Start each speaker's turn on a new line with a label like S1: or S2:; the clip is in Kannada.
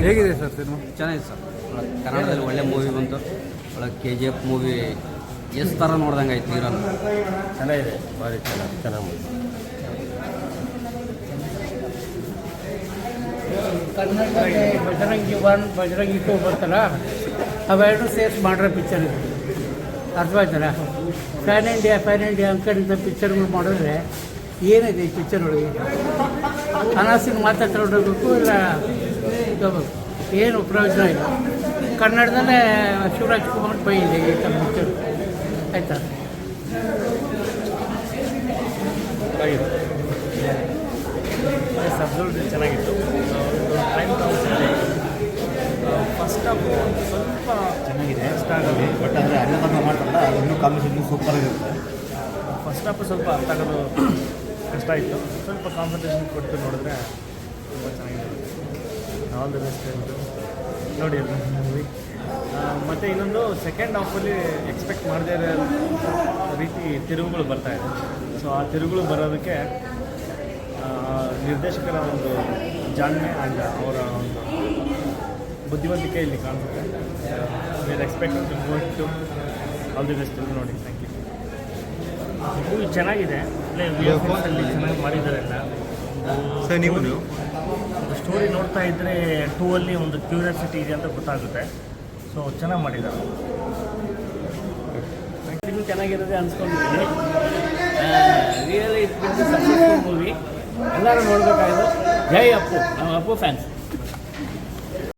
S1: ಹೇಗಿದೆ ಸರ್ ಸಿನಿಮಾ?
S2: ಚೆನ್ನಾಗಿದೆ ಸರ್. ಕನ್ನಡದಲ್ಲಿ ಒಳ್ಳೆ ಮೂವಿ ಬಂತು. ಒಳಗೆ KGF ಮೂವಿ ಎಷ್ಟು ಥರ ನೋಡ್ದಂಗೆ ಆಯ್ತು. ಹೀರೋನ
S3: ಚೆನ್ನಾಗಿದೆ, ಭಾರಿ ಚೆನ್ನಾಗಿ ಮೂವಿ.
S4: ಕನ್ನಡದಲ್ಲಿ ಬಜರಂಗಿ 1 ಬಜರಂಗಿ 2 ಬರ್ತಲ್ಲ, ಅವೆರಡು ಸೇರ್ಸ್ ಮಾಡಿರೋ ಪಿಕ್ಚರ್ ಇದು. ಅರ್ಥವಾಯ್ತಲ್ಲ? ಫ್ಯಾನ್ ಇಂಡಿಯಾ ಅಂಕಡಿಂದ ಪಿಕ್ಚರ್ಗಳು ಮಾಡಿದ್ರೆ ಏನಿದೆ ಈ ಪಿಕ್ಚರ್ ಒಳಗೆ? ಅನಾಸಿನ ಮಾತಾಡ್ಕೊಂಡೋಗ್ಬೇಕು, ಇಲ್ಲ ತಗೋಬೇಕು, ಏನು ಪ್ರಯೋಜನ ಇಲ್ಲ. ಕನ್ನಡದಲ್ಲೇ ಶಿವರಾಜ್ ಕುಮಾರ್ ಪೈ ಇದೆ ಈ ಥರ ಪಿಕ್ಚರ್. ಆಯಿತಾ?
S3: ಸಬ್ಜೆಕ್ಟ್ ಚೆನ್ನಾಗಿತ್ತು. ಟೈಮ್ ಫಸ್ಟ್ ಹಾಫು ಸ್ವಲ್ಪ ಚೆನ್ನಾಗಿದೆ, ಇಷ್ಟ ಆಗೋದು. ಬಟ್ ಅಂದರೆ ಅನ್ನದಾನ ಮಾಡ್ತಾರಲ್ಲ, ಅದನ್ನು ಕಾಂಬಿನೇಷನ್ ಸೂಪರ್ ಆಗಿರುತ್ತೆ. ಫಸ್ಟ್ ಹಾಫು ಸ್ವಲ್ಪ ಅರ್ಥ ಆಗೋದು ಕಷ್ಟ ಇತ್ತು. ಸ್ವಲ್ಪ ಕಾನ್ಸಂಟ್ರೇಷನ್ ಕೊಟ್ಟು ನೋಡಿದ್ರೆ ತುಂಬ ಚೆನ್ನಾಗಿರುತ್ತೆ. ಆಲ್ ದ ಬೆಸ್ಟ್ ನೋಡಿ ಅದು ಮೂವಿ. ಮತ್ತು ಇನ್ನೊಂದು ಸೆಕೆಂಡ್ ಹಾಫಲ್ಲಿ ಎಕ್ಸ್ಪೆಕ್ಟ್ ಮಾಡದೇ ಇರೋ ರೀತಿ ತಿರುವುಗಳು ಬರ್ತಾಯಿದೆ. ಸೊ ಆ ತಿರುವುಗಳು ಬರೋದಕ್ಕೆ ನಿರ್ದೇಶಕರ ಒಂದು ಜಾಣ್ಮೆ ಆ್ಯಂಡ್ ಅವರ ಒಂದು ಬುದ್ಧಿವಂತಿಕೆ ಇಲ್ಲಿ ಕಾಣಿಸುತ್ತೆ. Where expect to all the best ನೋಡಿ. Thank you. ಮೂವಿ ಚೆನ್ನಾಗಿದೆ, ಅಲ್ಲಿ ಚೆನ್ನಾಗಿ ಮಾಡಿದ್ದಾರೆ ಎಲ್ಲ.
S1: ಸರ್ ನೀವು
S3: ಸ್ಟೋರಿ ನೋಡ್ತಾ ಇದ್ದರೆ 2 ಅಲ್ಲಿ ಒಂದು ಕ್ಯೂರಿಯಾಸಿಟಿ ಇದೆ ಅಂತ ಗೊತ್ತಾಗುತ್ತೆ. ಸೊ ಚೆನ್ನಾಗಿ ಮಾಡಿದ್ದಾರೆ.
S4: ಇದು ಚೆನ್ನಾಗಿರೋದೆ ಅನ್ಸ್ಕೊಂಡಿದ್ದೀನಿ. Really it's been successful movie. ಎಲ್ಲರೂ ನೋಡಬೇಕಾಗಿದ್ದು. ಜೈ ಅಪ್ಪು, ನಮ್ಮ ಅಪ್ಪು ಫ್ಯಾನ್ಸ್.